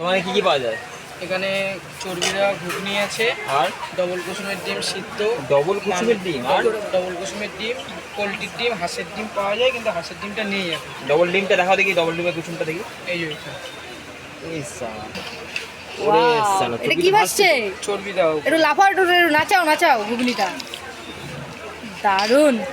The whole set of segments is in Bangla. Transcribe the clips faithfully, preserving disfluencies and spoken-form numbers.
তোমার কি কি পাওয়া যায়? এখানে চর্বিরা ঘুগনি আছে, আর ডবল কুসুমের ডিম সিদ্ধ, ডবল কুসুমের ডিম, আর ডবল কুসুমের ডিম, পোলট্রির ডিম, হাঁসের ডিম পাওয়া যায়, কিন্তু হাঁসের ডিমটা নেই এখন। ডবল ডিমটা দেখাও দেখি, ডবল ডিমের কুসুমটা দেখি। এই যে এটা এটা কি ভাসছে? চর্বি দাও একটু লাফাও, একটু নাচাও নাচাও ঘুগনিটা, দারুণ।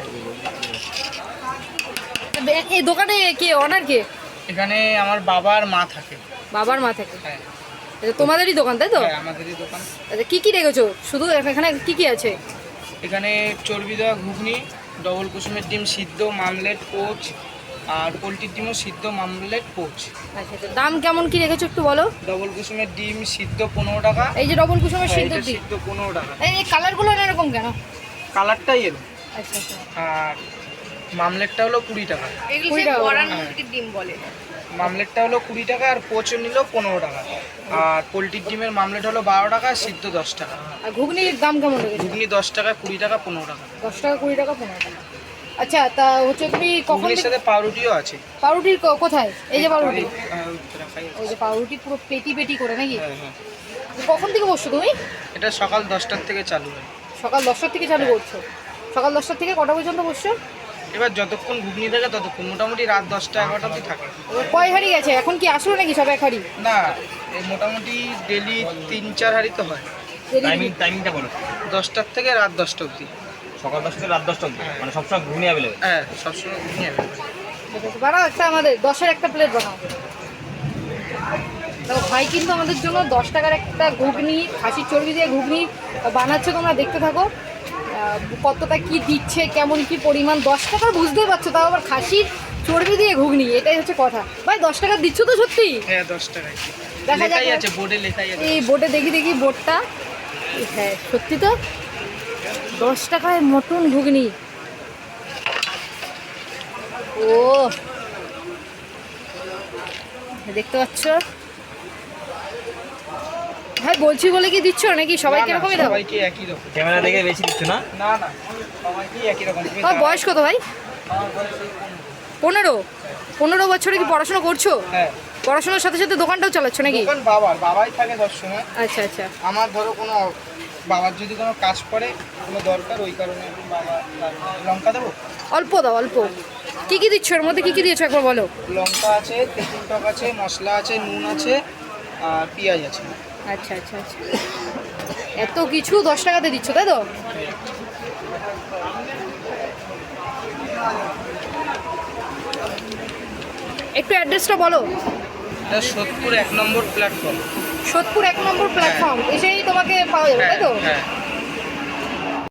এই দোকানে কে অনার কে? এখানে আমার বাবার মা থাকে। বাবার মা থাকে? হ্যাঁ। এটা তোমাদেরই দোকান তাই তো? হ্যাঁ, আমাদেরই দোকান। আচ্ছা, কি কি রেখেছো? শুধু এখানে কি কি আছে? এখানে চর্বি দেওয়া ঘুগনি, ডবল কুসুমের ডিম সিদ্ধ, মামলেট, পোচ, আর পোলট্রির ডিমও সিদ্ধ, মামলেট, পোচ। আচ্ছা আচ্ছা, দাম কেমন কি রেখেছো একটু বলো। ডবল কুসুমের ডিম সিদ্ধ পনেরো টাকা। এই যে ডবল কুসুমের সিদ্ধ হ্যাঁ, এটা ডিম সিদ্ধ পনেরো টাকা। এই এই কালারগুলো এরকম কেন? কালারটাই এলো। আচ্ছা আচ্ছা, আর মামলেটটা হলো কুড়ি টাকা। এগুলো সেই বড়ান মুরগির ডিম বলে। মামলেটটা হলো কুড়ি টাকা, আর পোচও নিল পনেরো টাকা। আর পোলট্রির ডিমের মামলেট হলো বারো টাকা, সিদ্ধ দশ টাকা। আর ঘুগনির দাম কেমন রেখেছো? ঘুগনি দশ টাকা, কুড়ি টাকা, পনেরো টাকা। দশ টাকা, কুড়ি টাকা, পনেরো টাকা। আচ্ছা, তা হচ্ছে তুমি কখন ঘুগনির থেকে- সাথে পাউরুটিও আছে। পাউরুটির ক- কোথায়? এই যে পাউরুটি, হ্যাঁ, ওই রাখাই আছে। ওই যে পাউরুটি পুরো পেটি পেটি করে নাকি? হ্যাঁ, হ্যাঁ। কখন থেকে বসছো তুমি? এটা সকাল দশটার থেকে চালু হয়। সকাল দশটার থেকে চালু করছো? সকাল দশটার থেকে কটা পর্যন্ত বসছো? এবার যতক্ষণ ঘুগনি থাকে ততক্ষণ, মোটামুটি রাত দশটা এগারোটা অবধি থাকে। কয় হাড়ি আছে এখন? কি আসলো নাকি সব এক হাড়ি? না, এই মোটামুটি ডেলি তিন চার হাঁড়ি তো হয়। টাইমিং টাইমিংটা বলো। দশটার থেকে রাত দশটা অবধি। সকাল দশটা থেকে রাত দশটা অবধি, মানে সবসময় ঘুগনি অ্যাভেলেবেল। হ্যাঁ, সবসময় ঘুগনি available। বানাও একটা, আমাদের দশের একটা প্লেট বানাও। দেখো ভাই কিন্তু আমাদের জন্য দশ টাকার একটা ঘুগনি, খাসির চর্বি দিয়ে ঘুগনি বানাচ্ছে, তোমরা দেখতে থাকো। আহ, কতটা কি দিচ্ছে, কেমন কি পরিমাণ, দশ টাকার বুঝতেই পারছো, তাও আবার খাসির চর্বি দিয়ে ঘুগনি, এটাই হচ্ছে কথা। ভাই দশ টাকা দিচ্ছ তো সত্যি? হ্যাঁ, দশ টাকায় দেখা যাক। লেখাই আছে, বোর্ডে লেখাই আছে। এই বোর্ডে দেখি দেখি বোর্ডটা। হ্যাঁ সত্যি তো, দশ টাকায় মটন ঘুগনি। ও দেখতে পাচ্ছ ভাই, বলছি বলে কি দিচ্ছ নাকি সবাইকে না, না, এরকমই দাও? সবাইকে একই রকম। ক্যামেরা দেখে বেশি দিচ্ছ না? না না, সবাইকে একই রকম। তুমি তোমার দাও। বয়স কত ভাই? আমার বয়স এই পনেরো? পনেরো। পনেরো বছরে কি পড়াশোনা করছো? হ্যাঁ, পড়াশোনার সাথে সাথে দোকানটাও চালাচ্ছ নাকি? দোকান বাবার, বাবাই থাকে সবসময়। আচ্ছা আচ্ছা, আমার ধরো কোনো বাবার যদি কোনো কাজ পড়ে, কোনো দরকার, ওই কারণে বাবা লঙ্কা দেবো। অল্প দাও অল্প। কি কি দিচ্ছ এর মধ্যে, কি কি দিয়েছো একবার বলো। লঙ্কা আছে, তেঁতুল টক আছে, মশলা আছে, নুন আছে, আর পেঁয়াজ আছে। আচ্ছা আচ্ছা আচ্ছা, এত কিছু দশ টাকাতে দিচ্ছ তাই তো? একটু অ্যাড্রেসটা বলো। এটা সোদপুর এক নম্বর প্ল্যাটফর্ম। সোদপুর এক নম্বর প্ল্যাটফর্ম, এসেই তোমাকে পাওয়া যাবে তাই তো? হ্যাঁ।